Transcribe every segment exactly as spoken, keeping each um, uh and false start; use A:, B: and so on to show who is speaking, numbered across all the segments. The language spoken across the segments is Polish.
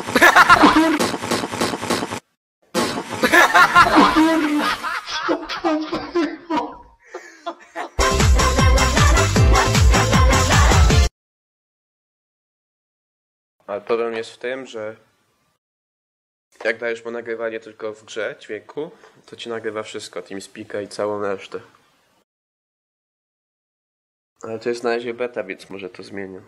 A: Ale problem jest w tym, że jak dajesz mu nagrywanie tylko w grze dźwięku, to ci nagrywa wszystko, TeamSpeak'a i całą resztę. Ale to jest na razie beta, więc może to zmienię.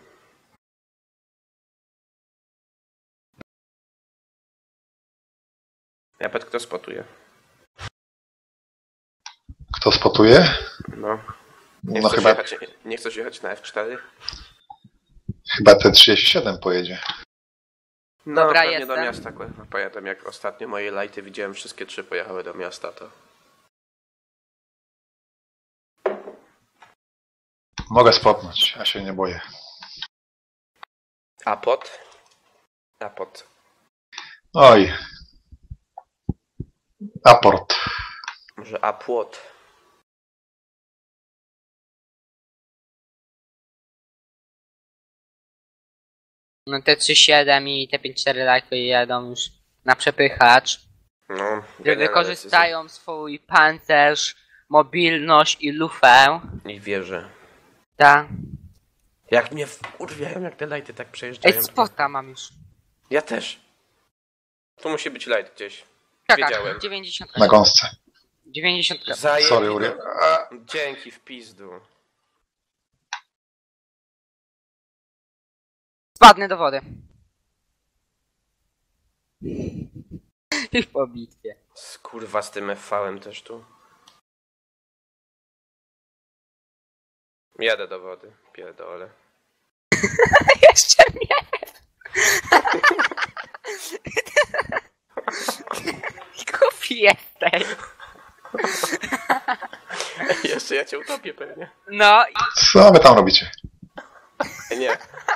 A: Japet, kto spotuje?
B: Kto spotuje?
A: No. Nie
B: No
A: chcesz,
B: chyba,
A: jechać, nie chcesz jechać na F cztery?
B: chyba T trzydzieści siedem pojedzie.
A: No,
C: Dobra,
A: pewnie
C: jestem.
A: do miasta kurwa, pojadę. Jak ostatnio moje lighty widziałem, wszystkie trzy pojechały do miasta, to...
B: Mogę spotnąć, ja się nie boję.
A: A pot? A pot.
B: Oj. Aport.
A: Może a płot?
C: No te trzy siedem i te pięć cztery lajty jadą już na przepychacz.
A: No,
C: Że wykorzystają swój pancerz, mobilność i lufę.
A: Nie wierzę.
C: Ta.
A: Jak mnie wkurwiają, jak te lighty tak przejeżdżają.
C: Ej, spota mam już.
A: Ja też. Tu musi być light gdzieś.
C: Tak,
A: Wiedziałem.
C: dziewięćdziesiąt.
B: Na gąsce.
C: dziewięćdziesiąt.
A: Zajęli.
B: Sorry, Uri.
A: A, dzięki w pizdu.
C: Spadnę do wody. Już po bitwie.
A: Skurwa z tym F V-em też tu. Jadę do wody. Pierdolę.
C: Jeszcze nie. Głupi jesteś.
A: Jeszcze ja cię utopię pewnie.
C: No i
B: Co wy tam robicie?
A: Nie.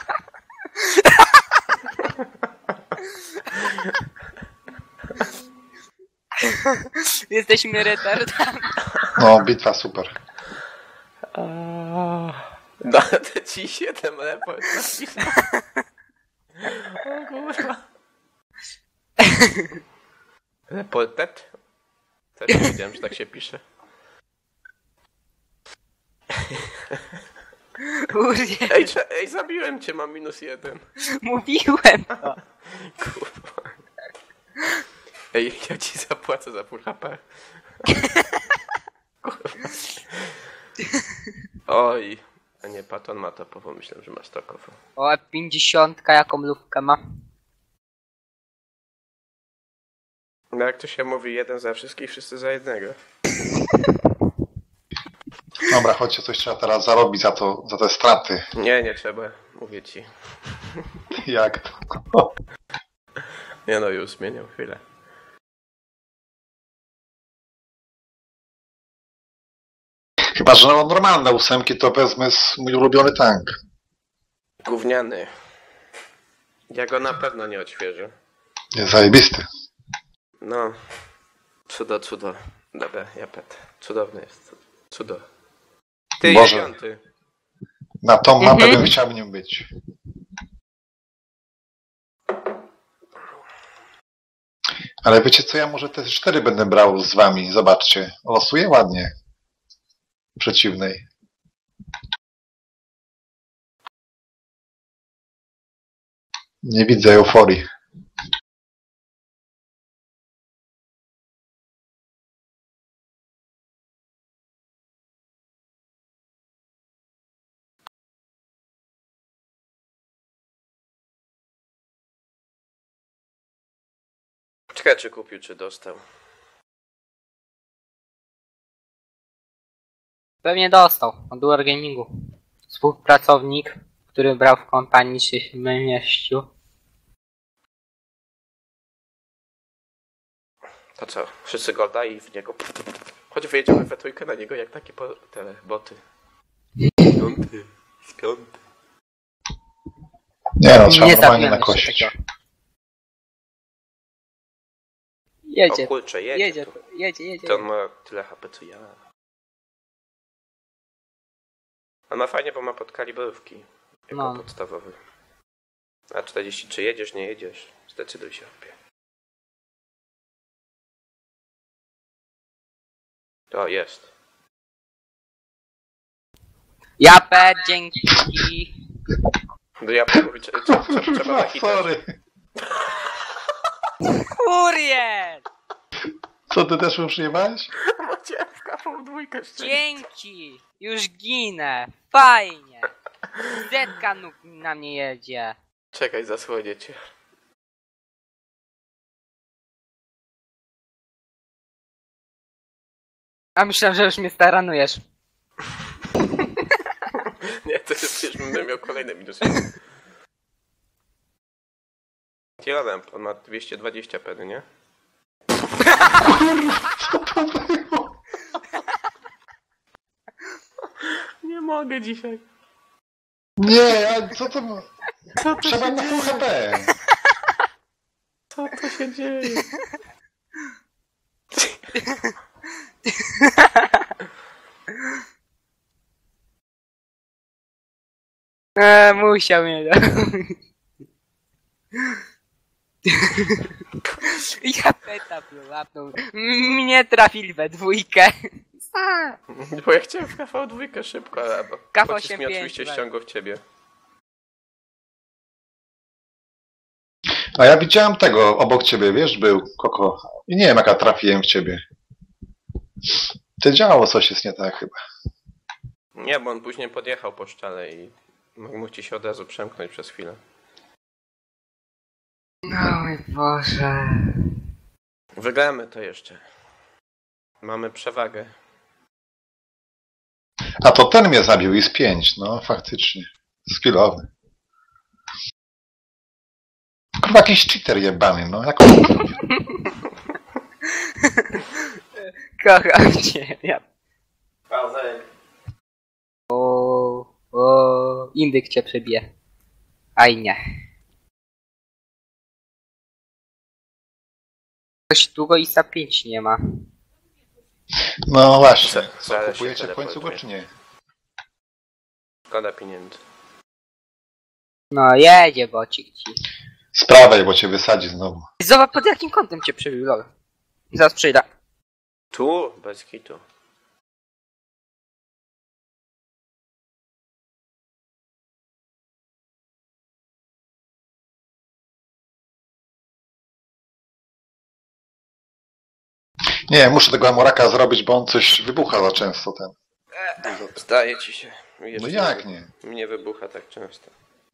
C: jesteśmy retardami.
B: No, bitwa super.
A: Da, te ci siedem report napisał. O kurwa. Reportet? Też nie wiedziałem, że tak się pisze.
C: Kurde,
A: Ej, cze- ej, zabiłem cię, mam minus jeden.
C: mówiłem to.
A: Kurwa. Ej, ja ci zapłacę za pół H P. Kurwa. Oj. A nie, Paton ma to, bo myślałem, że ma stokową.
C: O, pięćdziesiątka jaką lufkę ma.
A: No jak to się mówi, jeden za wszystkich, wszyscy za jednego.
B: Dobra, chodźcie, coś trzeba teraz zarobić za to, za te straty.
A: Nie, nie trzeba, mówię ci.
B: Jak to?
A: Nie no, już zmieniam chwilę.
B: Chyba, że no, normalne ósemki to wezmę z mój ulubiony tank.
A: Gówniany. Ja go na pewno nie odświeżę.
B: Jest zajebisty.
A: No. Cudo, cudo. Dobra, Japet. Cudowny jest. Cudo. Ty
B: Boże.
A: piąty.
B: Na tą mapę
C: Mhm.
B: bym chciał nim być. Ale wiecie co, ja może te cztery będę brał z wami. Zobaczcie. Losuję ładnie. Przeciwnej. Nie widzę euforii.
A: Czekaj, czy kupił, czy dostał.
C: Pewnie dostał od Dual Gamingu. Współpracownik, który brał w kompanii się mieścił.
A: To co? Wszyscy golda i w niego. Choć wyjedziemy we trójkę na niego jak takie po... tele boty. Piąty. Z piąty.
B: Nie no, trzeba
C: Nie
B: normalnie
C: zabijamy się
B: nakosić.
C: tego. Jedzie,
A: O kurczę, jedzie.
C: jedzie,
A: tu.
C: jedzie, jedzie.
A: To on ma tyle H P co ja. On ma fajnie, bo ma podkalibrówki. Jako
C: No.
A: podstawowy. A czterdzieści, czy jedziesz, nie jedziesz? Zdecyduj się, opie. To jest.
C: Japę, dzięki.
A: Do ja mówię, co, co, co, trzeba
B: Kurwa,
A: nachitać.
B: sorry.
C: Kurier!
B: Co, ty też mu przyjebałeś?
A: Bo cię w kawą dwójkę
C: Dzięki! Już ginę! Fajnie! Zetka nóg na mnie jedzie.
A: Czekaj, zasłonię cię.
C: A myślałem, że już mnie staranujesz.
A: Nie, to jest przecież będę miał kolejne minusy. Kieladem, on ma dwieście dwadzieścia pedy, nie?
B: Co to było?
A: Nie mogę dzisiaj.
B: Nie, a co to...
A: Co to
B: Trzeba
A: się
B: na
A: dzieje?
B: full H P.
A: Co to się dzieje?
C: Eee, musiał mnie. Ja peta łapnął. Mnie trafili we dwójkę.
A: Bo ja chciałem w K V dwa szybko, ale bo
C: K V
A: pocisk mi
C: osiem
A: oczywiście
C: pięć,
A: ściągał w ciebie.
B: A ja widziałem tego obok ciebie, wiesz, był Koko. I nie wiem, jaka trafiłem w ciebie. Ty działało coś jest nie tak chyba.
A: Nie, bo on później podjechał po szczale i mógł ci się od razu przemknąć przez chwilę.
C: O mój Boże.
A: Wygramy to jeszcze. Mamy przewagę.
B: A to ten mnie zabił i z pięć, no faktycznie. Skillowy. Kurwa, jakiś cheater jebany, no. Jak on to zrobił?
C: Kocham cię. Ja. O, o, indyk cię przebije. Aj nie. Coś długo i za pięć nie ma.
B: No właśnie.
A: Za-
B: Co,
A: zaraz się
B: kupujecie w końcu go
A: teleportuje.
B: czy nie?
A: Szkoda pieniędzy.
C: No jedzie bocik ci.
B: Z prawej, bo cię wysadzi znowu.
C: Zobacz pod jakim kątem cię przebił, lol. Zaraz przyjdę.
A: Tu? Bez kitu.
B: Nie, muszę tego Amoraka zrobić, bo on coś wybucha za często ten.
A: Zdaje ci się. Jeszcze
B: No jak nie?
A: Mnie wybucha tak często.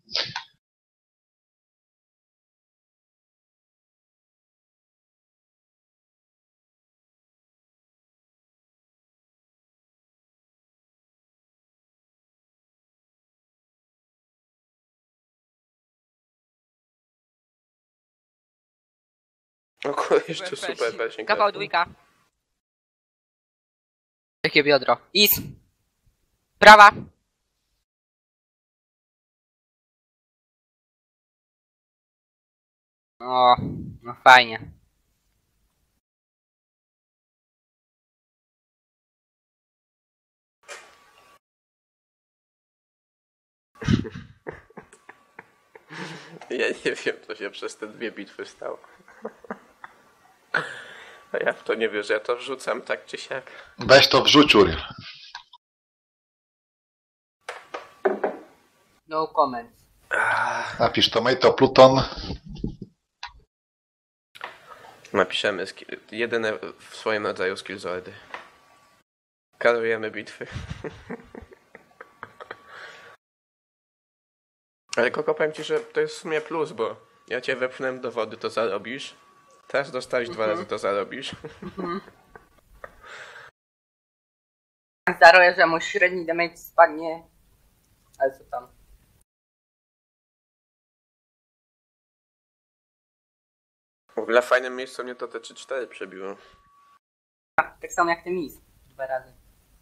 A: O kurde, jeszcze super pershing.
C: Kawał dwójka. Jakie biodro. Is. Prawa. O, no fajnie.
A: Ja nie wiem, co się przez te dwie bitwy stało. A ja w to nie wierzę, ja to wrzucam tak czy siak.
B: Weź to wrzuć, Uriel.
C: No comment.
B: Napisz Tomato Pluton.
A: Napiszemy skill, jedyne w swoim rodzaju skillzordy. Karujemy bitwy. Ale Koko, powiem ci, że to jest w sumie plus, bo ja cię wepchnąłem do wody, to zarobisz. Teraz dostałeś dwa razy, to zarobisz.
C: Zdaruję, że mu średni damage spadnie. Ale co tam?
A: W ogóle fajnym miejscu mnie to te trzy cztery przebiło.
C: Tak samo jak ten mis. Dwa razy.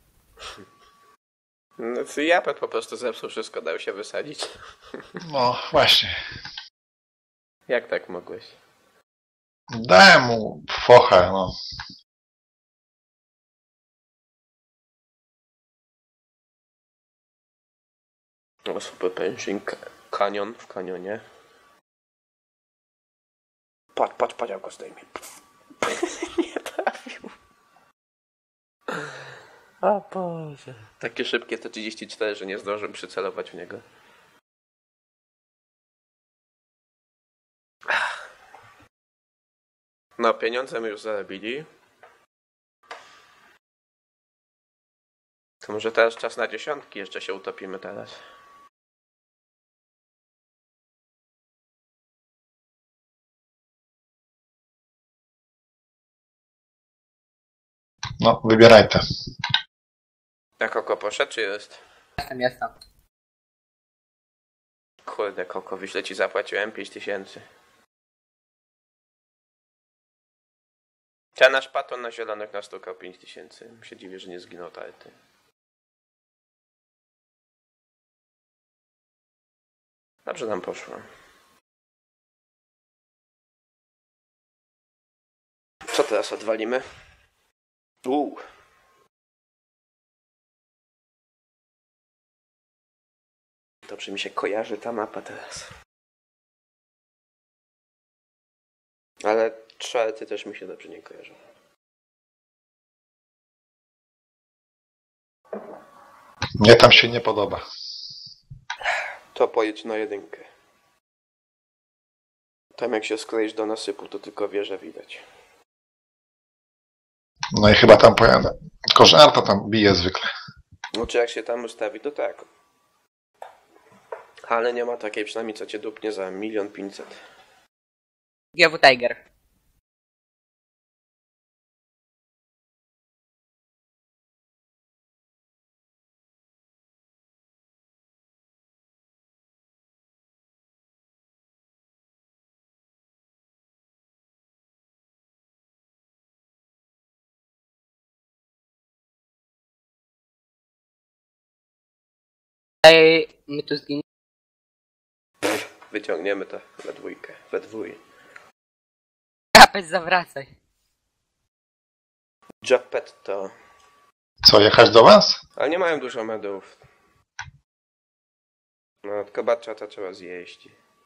A: No, to Japet po prostu zepsuł wszystko, dał się wysadzić.
B: No właśnie.
A: Jak tak mogłeś?
B: Dałem mu focha, no.
A: O, super pęcznik, kanion w kanionie. patrz, patrz, patrz, jak go zdejmie. Nie trafił. O Boże. Takie szybkie T trzydzieści cztery, że nie zdążyłem przycelować w niego. No, pieniądze my już zarobili. To może teraz czas na dziesiątki, jeszcze się utopimy teraz.
B: No, wybieraj te.
A: Jak Koko poszedł, czy jest?
C: Jestem, jestem.
A: Kurde, Koko, wyślę ci zapłaciłem pięć tysięcy. Ten nasz paton na zielonych nastukał pięć tysięcy. Się dziwię, że nie zginął tarty. Dobrze nam poszło. Co teraz odwalimy? Uuu. Dobrze mi się kojarzy ta mapa teraz. Ale czwarty też mi się dobrze nie kojarzy.
B: Mnie tam się nie podoba.
A: To pojedź na jedynkę. Tam jak się skleisz do nasypu, to tylko wieżę widać.
B: No i chyba tam pojadę. Tylko że Arta tam bije zwykle.
A: No czy jak się tam ustawi, to tak. Ale nie ma takiej przynajmniej, co cię dupnie za milion pięćset.
C: G W Tiger. Ej, my tu zginiemy.
A: Wyciągniemy to we dwójkę, we dwój.
C: Kapeć, zawracaj.
A: Geppetto.
B: Co, jechać do was?
A: Ale nie mają dużo medów. No, tylko baczata trzeba zjeść.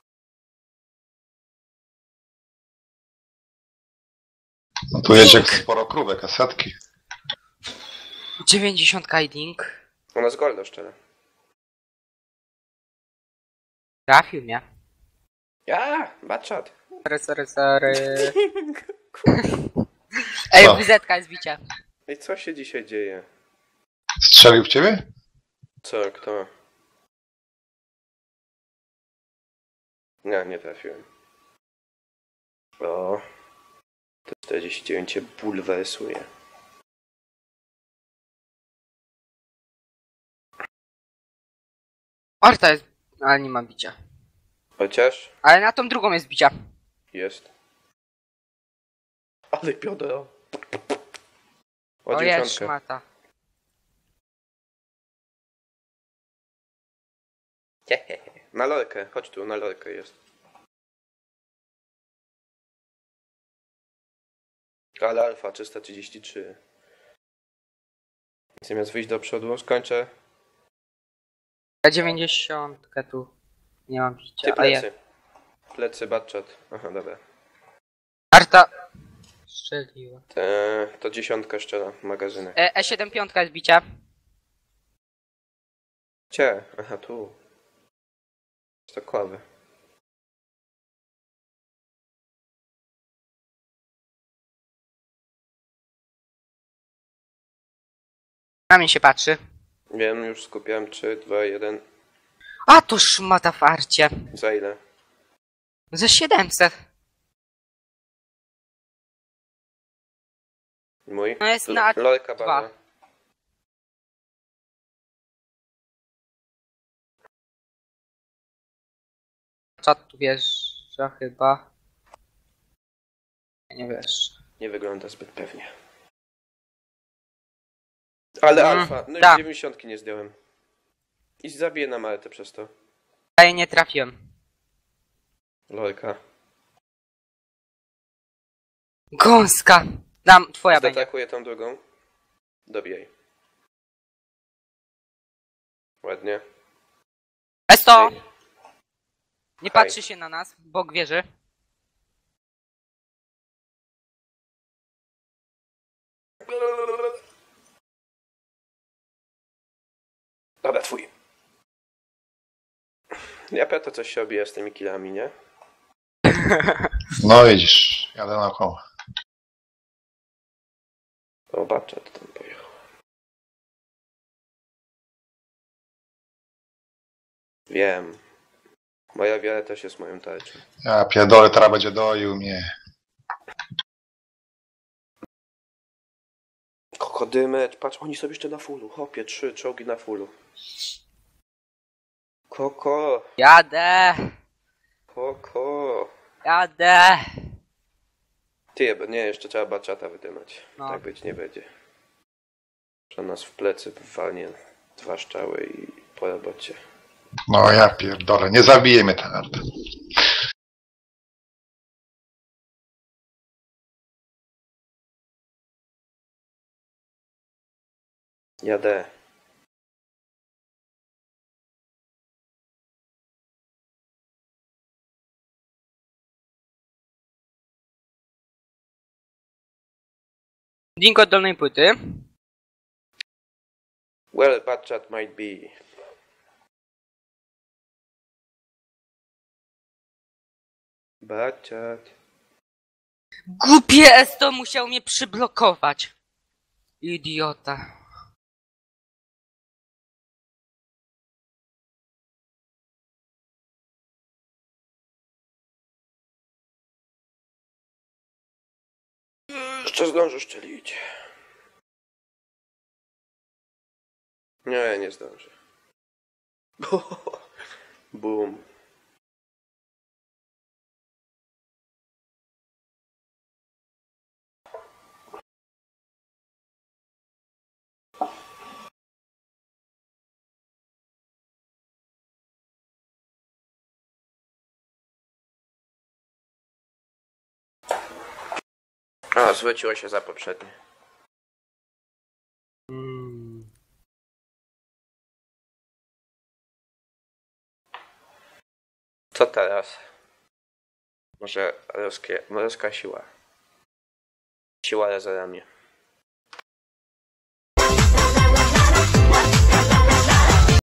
B: No tu jedzie sporo krówek, a setki.
C: dziewięćdziesiąt kiting.
A: U nas goldo szczerze.
C: Trafił mnie.
A: Ja, baczat.
C: Sorry, sorry, sorry. Ej,
B: Co?
C: W Z jest bicia.
A: I co się dzisiaj dzieje?
B: Strzelił w ciebie?
A: Co, kto? Nie, nie trafiłem. O. To czterdzieści dziewięć cię bulwersuje.
C: Arta jest, ale nie ma bicia.
A: Chociaż
C: Ale na tą drugą jest bicia.
A: jest. Ale piodro. O
C: O jest
A: dziewiątkę.
C: szmata.
A: Na lorkę, chodź tu, na lorkę jest. Ale alfa trzysta trzydzieści trzy. Zamiast wyjść do przodu, skończę.
C: Ja dziewięćdziesiątkę tu nie mam bicia.
A: Ty
C: A ja.
A: plecy. Plecy, batchat. Aha, dobra.
C: Arta strzeliła.
A: Te, to dziesiątka szczera, magazynek.
C: E, E75 jest bicia.
A: Cie, aha, tu. To kławy.
C: Na mnie się patrzy.
A: Wiem, już skupiałem. trzy, dwa, jeden.
C: A to szmata w arcie.
A: Za ile?
C: Za siedemset.
A: Mój?
C: No jest
A: L-
C: na
A: Lorka
C: dwa.
A: bardzo.
C: Czat tu wjeżdża chyba. Nie wiesz.
A: Nie wygląda zbyt pewnie. Ale
C: Mm,
A: alfa. No i
C: tak.
A: dziewięćdziesiątki nie zdjąłem. I zabiję na Maltę przez to.
C: Ja jej nie trafiłem.
A: Lorka.
C: Gąska. Dam, twoja będzie.
A: Zaatakuję tą drugą. Dobijaj. Ładnie.
C: Esto!
A: Ej.
C: Nie
A: Haj.
C: patrzy się na nas, bok wieży.
A: Dobra, twój. Ja pewnie coś się obija z tymi killami, nie?
B: No widzisz, jadę naokoło.
A: O, babcia to tam pojechał. Wiem. Moja wiara też jest moją tarczą.
B: Ja pierdolę, teraz będzie doił mnie.
A: Kokodymecz, patrz, oni są jeszcze na fullu. Hopie, trzy czołgi na fullu. Koko,
C: Jadę!
A: koko.
C: Jadę!
A: Ty, bo nie, jeszcze trzeba baczata wydymać.
C: No.
A: Tak być nie będzie. Że nas w plecy walnie dwa strzały i po robocie.
B: No ja pierdolę, nie zabije mnie ten art.
A: Jadę.
C: Link od dolnej płyty.
A: Well, batchat might be. Batchat.
C: Głupie S to musiał mnie przyblokować. Idiota.
A: Jeszcze zdążę szczelić. Nie, nie zdążę. Boom. A, zwróciło się za poprzednie.
C: Hmm.
A: Co teraz? Może ruskie, morska siła. Siła razorami.